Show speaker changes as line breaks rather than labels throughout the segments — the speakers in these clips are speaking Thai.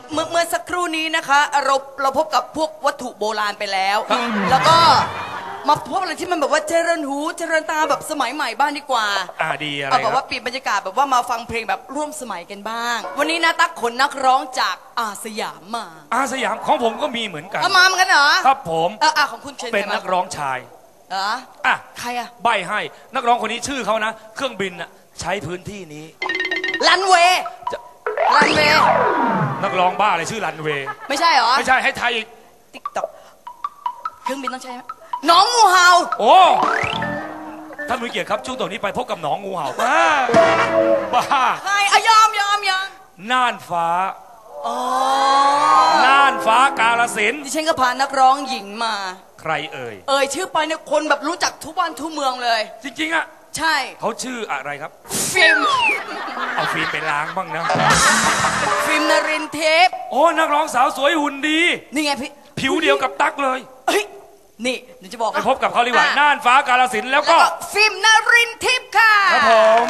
เมื่อสักครู่นี้นะคะเราพบกับพวกวัตถุโบราณไปแล้วแล้วก็มาพบอะไรที่มันแบบว่าเจริญหูเจริญตาแบบสมัยใหม่บ้างดีกว่า
ดีอะไร
แบบว่าเปลี่ยนบรรยากาศแบบว่ามาฟังเพลงแบบร่วมสมัยกันบ้างวันนี้นะตั๊กขนนักร้องจากอาสยามมา
สยามของผมก็มีเหมือนกัน
มาเหมือนกันเหรอ
ครับผม
ของคุณเชน
เป็นนักร้องชาย
ใคร
ใบให้นักร้องคนนี้ชื่อเขานะเครื่องบินใช้พื้นที่นี้
รันเวย์
นักร้องบ้าอะไรชื่อรันเวย์
ไม่ใช่เหรอ
ไม่ใช่ให้ไทย
ติ๊กต็อกเครื่องบินต้องใช่ไหมหนองงูเห่า
โอ้ท่านผู้เกียรติครับช่วงต่อนี้ไปพบกับหนองงูเห่าบ้า
ใครยอม
น่านฟ้าน่านฟ้ากาฬสินธุ์
ดิฉันก็พานักร้องหญิงมา
ใครเอ่ย
ชื่อไปเนี่ยคนแบบรู้จักทุกบ้านทุกเมืองเลย
จริงๆ
ใช่
เขาชื่ออะไรครับ
ฟิล์ม
เอาฟิล์มไปล้างบ้างนะ
ฟิล์มนรินทร์เทพ
นักร้องสาวสวยหุ่นดี
นี่ไงพี่
ผิวเดียวกับตั๊กเลย
นี่เดี๋ยวจะบอก
ไปพบกับเขาดีกว่าน่านฟ้ากาฬสินธุ์แล้วก็
ฟิล์มนรินทร์ทิพย์ค่ะ
ครับผม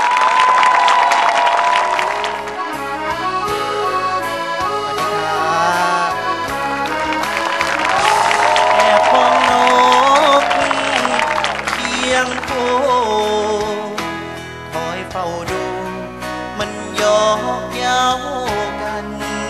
แอบมองนกเคียงโคคอยเฝ้าดูมันยอกเย้ากัน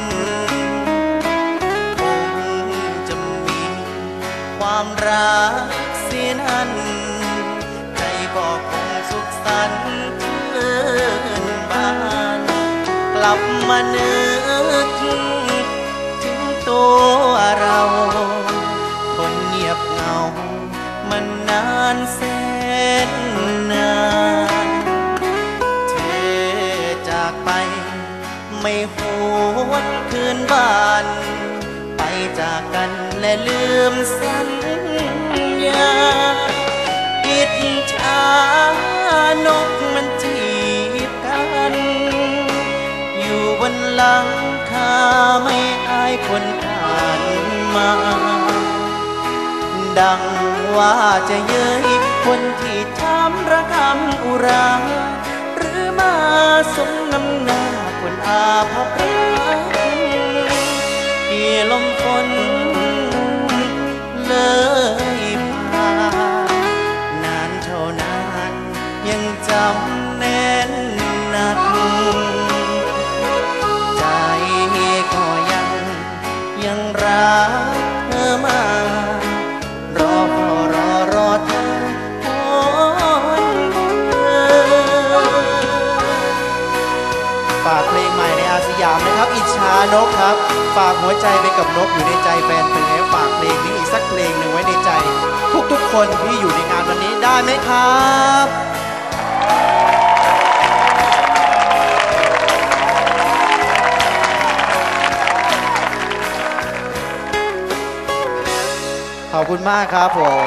คงจะมีความรักเสียนั้นใจก็คงสุขสันต์ชื่นบานกลับมานึกถึงตัวเราคนเงียบเหงามันนานแสนนานเธอจากไปไม่หวนคืนบ้านไปจากกันและลืมสัญญาอิจฉานกมันจีบกันอยู่บนหลังคาไม่อายคนผ่านมาดังว่าจะเย้ยคนที่ทำระคำอุราหรือมาสมน้ำหน้าคนอาภัพรักที่ลมฝนเลยผ่านนานเท่านานยังจำแน่นหนักใจก็ยังรักเธอมารอเธอฝากเพลงใหม่ในอาสยามนะครับอิจฉานกครับฝากหัวใจไปกับนกอยู่ในใจแฟนเพลงฝากเพลงนี้อีกสักเพลงหนึ่งไว้ในใจทุกคนที่อยู่ในงานวันนี้ได้ไหมครับขอบคุณมากครับผม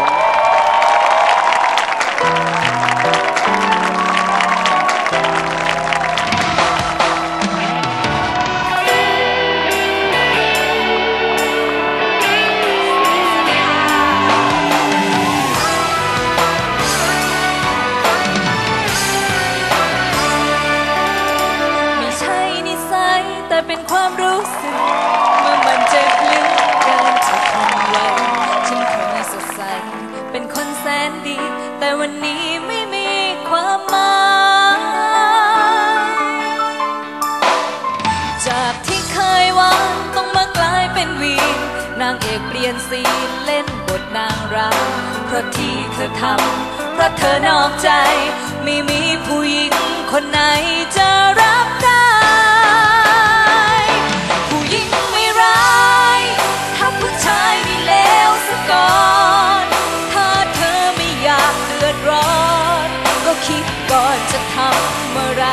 ไม่ใช่นิสัยแต่เป็นความรู้สึกเมื่อมันเจ็บลึกเกินจะทนไหวฉันเคยสดใสเป็นคนแสนดีแต่วันนี้ไม่มีความหมายจากที่เคยหวานต้องมากลายเป็นวีนนางเอกเปลี่ยนซีนเล่นบทนางร้ายเพราะที่เธอทำเพราะเธอนอกใจไม่มีผู้หญิงคนไหนจะรับได้ผู้หญิงไม่ร้ายถ้าผู้ชายไม่เลวซะก่อนถ้าเธอไม่อยากเดือดร้อนก็คิดก่อนจะทำอะไร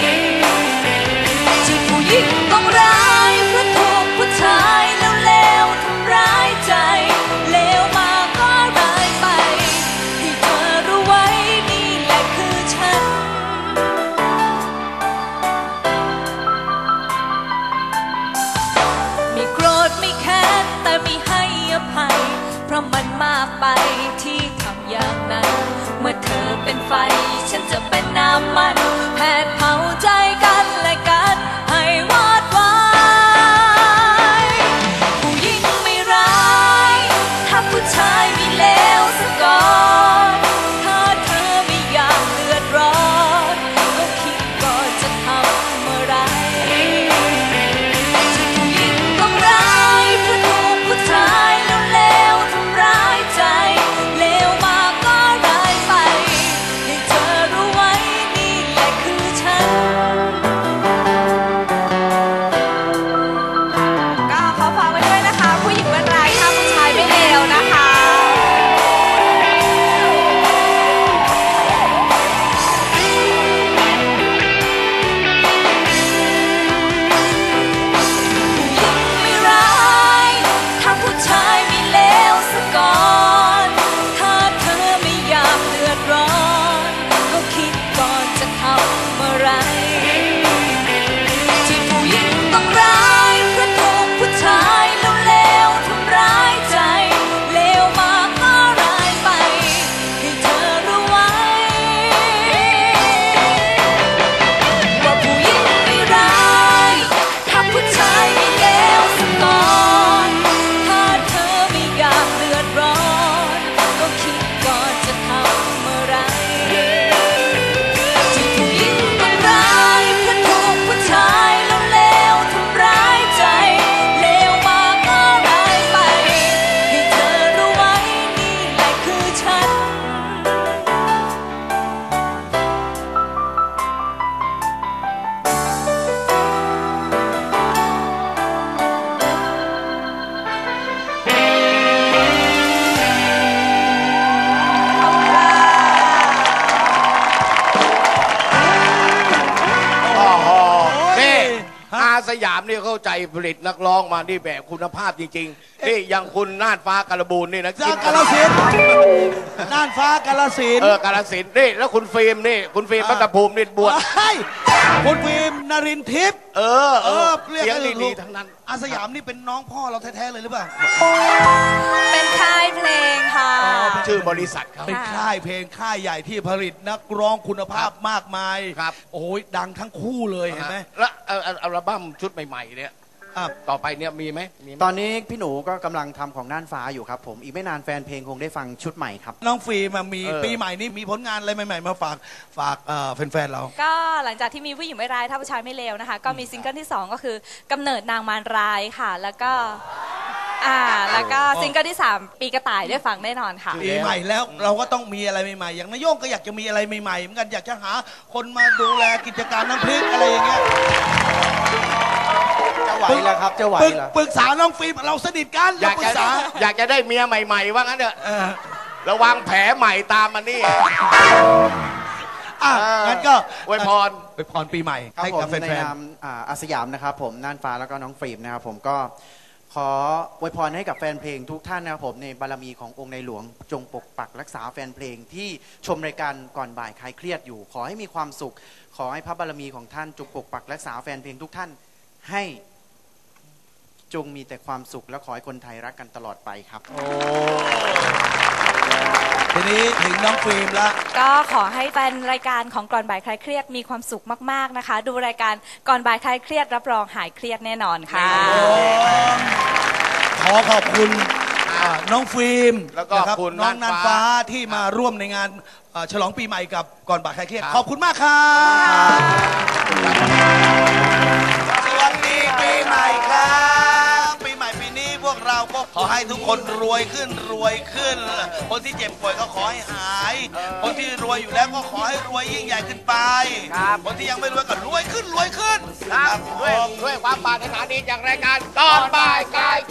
ที่ผู้หญิงต้องร้ายเพราะถูกผู้ชายเลวๆทำร้ายใจเลวมาก็ร้ายไปให้เธอรู้ไว้นี่แหละคือฉันไม่โกรธไม่แค้นแต่ไม่ให้อภัยเพราะมันมากไปที่ทำอย่างนั้นเมื่อเธอเป็นไฟฉันจะเป็นน้ำมันแผดเผาใจกันและกันให้วอดวาย
สยามนี่เข้าใจผลิตนักร้องมานี่แบบคุณภาพจริงๆนี่อย่างคุณน่านฟ้ากาลบูนนี่นะ
จากกาฬสินธุ์น่านฟ้ากาฬสินธุ์
กาลสินธุ์นี่แล้วคุณฟิล์มนี่คุณฟิล์มปัตตภูมินี่บวช
เฮ้ยคุณฟิล์มนรินทร์ทิพย์เรียก
เสียง
กัน
ดีๆทั้งนั้น
อาสยามนี่เป็นน้องพ่อเราแท้ๆเลยหรือเปล่า
เป็นค่ายเพลงค่ะ
ชื่อบริษัทเขา
เป็นค่ายเพลงค่ายใหญ่ที่ผลิตนักร้องคุณภาพมากมาย
ครับ
โอ้ยดังทั้งคู่เลยเห็นไหม
แล้วอัลบั้มชุดใหม่ๆเนี่ย
อ่ะ
ต่อไปเนี่ยมีไหม
ตอนนี้พี่หนูก็กำลังทำของน่านฟ้าอยู่ครับผมอีกไม่นานแฟนเพลงคงได้ฟังชุดใหม่ครับ
น้องฟิล์มมีปีใหม่นี้มีผลงานอะไรใหม่ๆมาฝากแฟนๆเรา
ก็หลังจากที่มีผู้หญิงไม่ร้ายถ้าผู้ชายไม่เลวนะคะ ก็มีซิงเกิลที่ 2 ก็คือกำเนิดนางมารร้ายค่ะ แล้วก็ซิงเกิลที่ 3 ปีกระต่ายได้ฟังแน่นอนค่ะ
ปีใหม่แล้วเราก็ต้องมีอะไรใหม่ๆอย่างนายโย่งก็อยากจะมีอะไรใหม่ๆเหมือนกันอยากจะหาคนมาดูแลกิจการน้ำพริกอะไรอย่างเงี้ย
จะไหวแล้วครับจะไหวแล้ว
ปรึกษาน้องฟิล์มเราสนิทกัน
อยาก
ปรึ
จะ
กษา
อยากจะได้เมียใหม่ๆว่างั้นเถอะระวังแผลใหม่ตามมานี่
งั้นก็
อวยพร
อวยพรปีใหม่
ครับ
ให้
ผม
กับแฟ
ใน
น
นามอาสยามนะครับผมน่านฟ้าแล้วก็น้องฟิล์มนะครับผมก็ขออวยพรให้กับแฟนเพลงทุกท่านนะครับผมในบารมีขององค์ในหลวงจงปกปักรักษาแฟนเพลงที่ชมรายการก่อนบ่ายคลายเครียดอยู่ ขอให้มีความสุข ขอให้พระบารมีของท่านจงปกปักรักษาแฟนเพลงทุกท่านให้จงมีแต่ความสุขและขอให้คนไทยรักกันตลอดไปครับ
ๆทีนี้ถึงน้องฟิล์มละ
ก็ขอให้แฟนรายการของก่อนบ่ายคลายเครียดมีความสุขมากๆนะคะ ดูรายการก่อนบ่ายคลายเครียดรับรองหายเครียดแน่นอนค่ะ
ขอขอบคุณน้องฟิล์ม
แล้วก็
นะครับ
คุณ
น้อง
น่า
นั
น
น
ฟ้า
ฟ้าที่มาร่วมในงานฉลองปีใหม่กับก่อนบ่ายคลายเครียดขอบคุณมากครับสวัสดีปีใหม่ครับปีใหม่ปีนี้พวกเราก็ขอให้ทุกคนรวยขึ้นคนที่เจ็บป่วยก็ขอให้หาย คนที่รวยอยู่แล้วก็ขอให้รวยยิ่งใหญ่ขึ้นไปคนที่ยังไม่รวยก็รวยขึ้น
ครับด้วยความปรารถนาดีจากรายการก่อนบ่ายคลาย